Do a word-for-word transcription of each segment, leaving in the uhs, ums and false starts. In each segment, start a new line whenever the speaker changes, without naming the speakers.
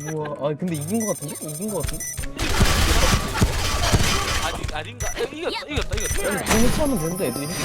우와, 아 근데 이긴 거 같은데? 이긴 거 같은데?
아니 아닌가? 야, 이겼다 이겼다 이겼다.
아니 공유치하면 되는데 애들이 했어.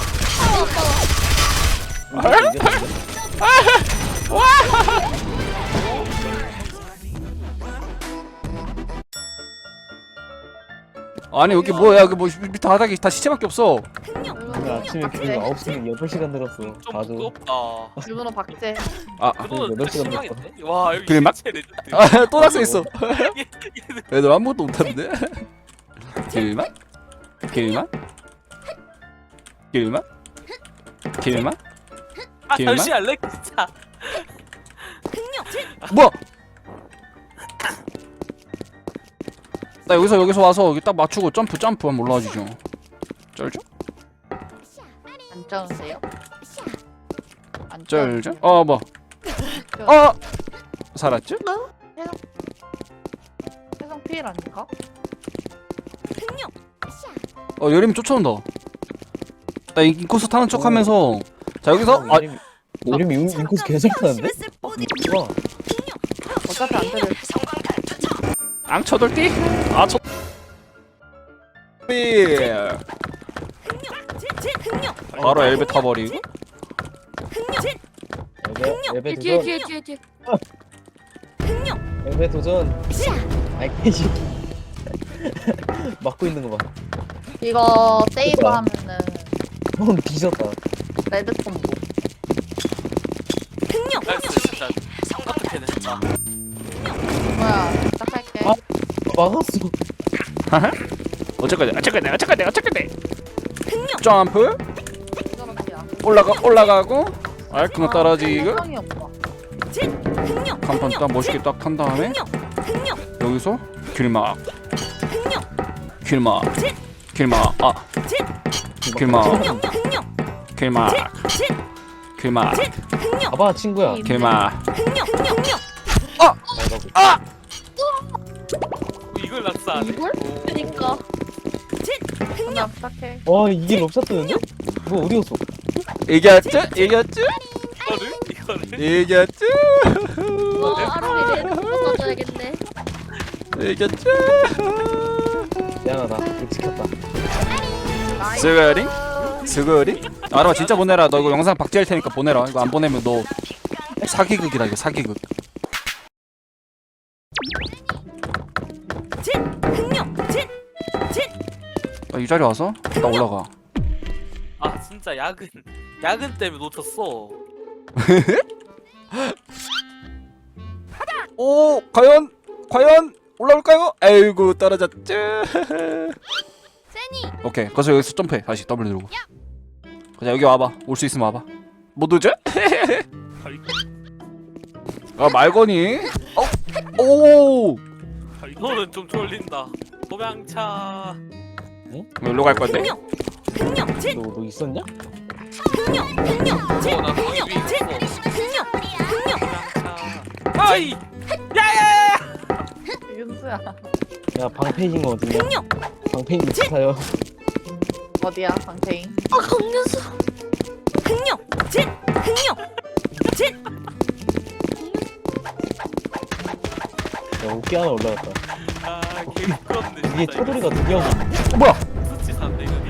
아니 여기 뭐야 여기 뭐 밑에 바닥에 다 시체밖에 없어.
오늘 아침에 그 아홉 시면 여덟 시간 늘었어.
좀
봐도.
무섭다.
일본어 박제.
아
그동안
여덟 시간
심하겠네. 와 여기
그래, 막-
진짜 레전드.
아, 또 낙서 있어. 애들 아무것도 못하는데. 길만? 길만? 길만? 길만?
아
길만?
잠시만 렉 진짜.
뭐야? 나 여기서 여기서 와서 여기 딱 맞추고 점프 점프 하면 올라와지죠. 쩔죠?
안 쩌는데요? 안
쩔죠? 어 뭐? 어 살았죠?
해성 피일 아닌가?
어 여림이 쫓아온다. 나 인코스 타는 척하면서 자 여기서 아
이름이 인코스 개잘 타는데? 와,
어차피 안 들을.
앙쳐돌띠? 아 쳐. 바로 엘베 타버리고.
엘베 엘베
뒤에
도전.
뒤에 뒤에 뒤에
엘베 도전. 아이 개새끼. 막고 있는 거 봐.
이거 세이브
됐다.
하면은
형 뒤졌다.
레드 콤보.
나이스 진짜. 어떻게 됐다.
뭐야? 시작할게.
아. 막았어.
어쨌거든 어쨌거든 어쨌거든 어쨌거든. 점프
저렇게야.
올라가 올라가고 알콩 떨어지고
해성이 없다.
간판 딱 멋있게 딱 탄 다음에 여기서 길막 길막 길막 아 길막 길막 길막
봐봐 친구야.
길막
아,
이걸 낙사하네.
이걸?
그니까
그냥 시작해.
와 이게 럽샷 뜨는데? 뭐 어디 갔어?
이겼죠 이겼죠
이거를 이거를.
이겼죠
와 아로미 레드 뽑아줘야겠네.
이겼죠
미안하다. 이거 지켰다.
스거리 스거리 아라 진짜 보내라. 너 이거 영상 박제할 테니까 보내라. 이거 안 보내면 너 사기극이다. 이거 사기극. 나 이 자리 와서 나 올라가.
아 진짜 야근 야근 때문에 놓쳤어.
오 과연 과연 올라올까요? 아이고 떨어졌죠.
세니
오케이 그래서 여기서 점프해. 다시 W 누르고. 그냥 여기 와봐. 올 수 있으면 와봐. 못 오죠? 아 말거니? 어? 오
너는 좀 졸린다. 도망차.
여기로 갈 건데?
너, 너 있었냐?
어나 거기 위에 있어. 도망차. 아이. 야야야.
윤수야.
야 방패인 거 어디냐? 방패인 위치 타요.
어디야, 방태인?
아 강연수
야 어깨 하나 올라갔다.
아 개부끄럽네.
이게
진짜.
차돌이가 드디어
어, 뭐야?
수치 산대 이거.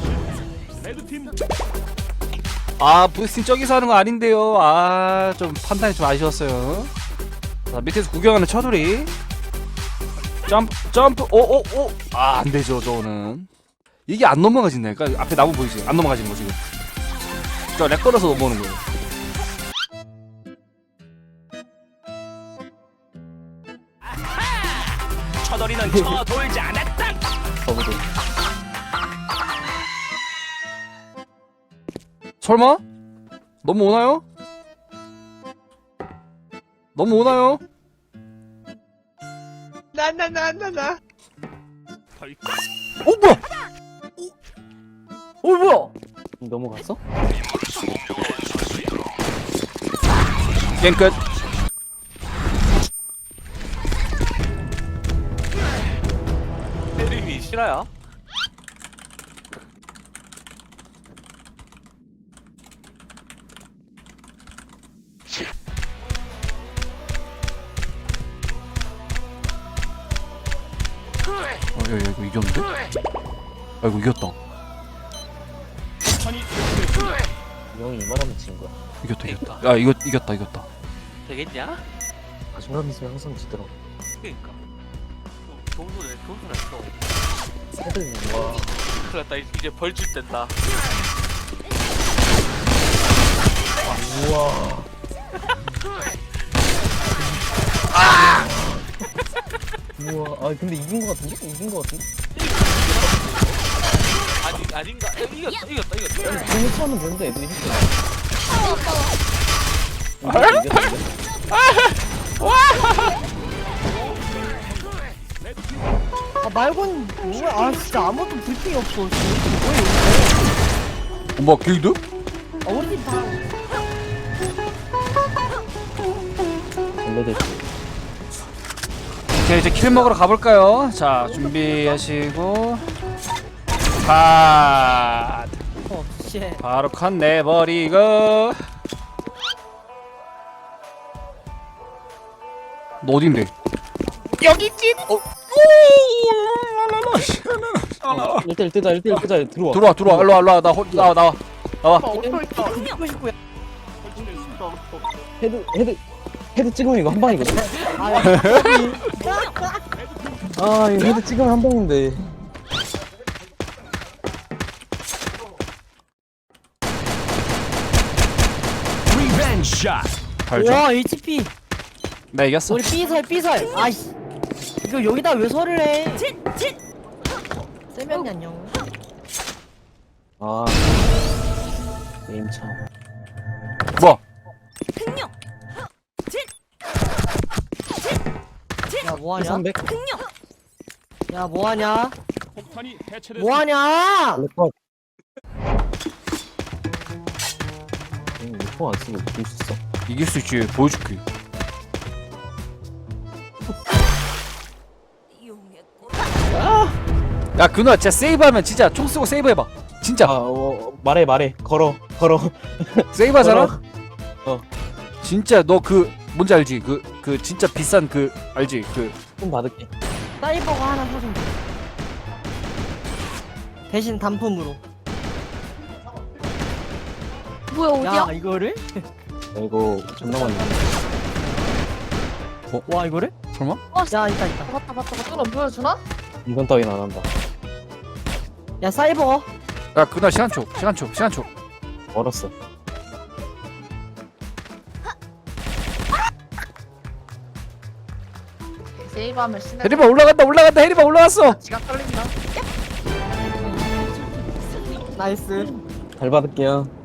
아 부스팅 저기서 하는 거 아닌데요. 아 좀 판단이 좀 아쉬웠어요. 자 밑에서 구경하는 처돌이 점프 점프 오오오 아 안되죠 저거는. 이게 안 넘어가진다. 그러니까 앞에 나무 보이지? 안 넘어가지는 거 지금. 저 렉 걸어서 넘어오는 거예요.
처돌이는 쳐돌지 않았다.
거기도.
설마? 넘어오나요? 넘어오나요?
나나나나나.
어 뭐야? 어 뭐야?
넘어갔어?
게임 끝.
이름이 실화야?
야, 야 이거 이겼는데? 아 이거 이겼다.
이 형이 이만하면 진 거야.
이겼다 이겼다. 야 이거 이겼다 이겼다.
되겠냐?
자신감 있으면 항상 지더라.
그니까 좋은 소리 좋은 소리 했어.
새들 와.
큰일 났다 이제 벌줄 땐다.
우와. 우와. 아 근데 이긴 거 같은데? 이긴 거 같은데?
아니 아닌가? 에, 이겼다 이겼다 이겼다.
공을 차면 되는데 애들이 했어.
아, 아까워.
이겼는데?
아 말곤 뭐야? 아 진짜 아무것도 불핑이 없어. 뭐야
엄마 길드?
이거? 아 우리 팀 다.
원래들
오케이 이제 킬 먹으러 가볼까요? 자 준비하시고 컷.
어 씨.
바로 컷 내버리고. 너 어딘데? 여기 있지. 어.
일 대 일 뜨자 일 대 일 뜨자 들어와.
들어와 들어와 일로 와 일로 와 나 홀- 나와 나와 나와.
어터 있다.
듣고 싶고요.
헤드 헤드 헤드 찍으면 이거 한 방이거든.
아
아 이거 헤드 찍으면 한 방인데.
발전.
와 에이치피.
나 이겼어.
우리 B설 B설. 아이씨. 이거 여기다 왜 설을 해? 세면이 안녕.
아 게임 참.
뭐?
야 뭐하냐?
삼백.
야 뭐하냐? 뭐하냐?
렉컷. 음, 이거 안 쓰고 이길 수 있어.
이길 수 있지. 보여줄게. 야 그누야 진짜 세이브하면 진짜 총 쓰고 세이브해봐. 진짜
아 어, 말해 말해 걸어 걸어.
세이브하잖아.
걸어. 어.
진짜 너 그 뭔지 알지? 그 그 진짜 비싼 그 알지? 그
좀 받을게.
사이버가 하나 사준 거. 대신 단품으로.
뭐야 어디야?
야 이거를?
야, 이거 존나 많네.
와 이거를?
설마?
야 있다 있다.
봤다 봤다 봤다. 너 보여주나?
이건 따윈 안 한다.
야 사이버.
야 그누야 시간 초 시간 초 시간 초.
멀었어.
세이브하면 신나.
해리바 올라간다 올라간다 해리바 올라갔어.
지가 떨린다.
나이스.
잘 받을게요.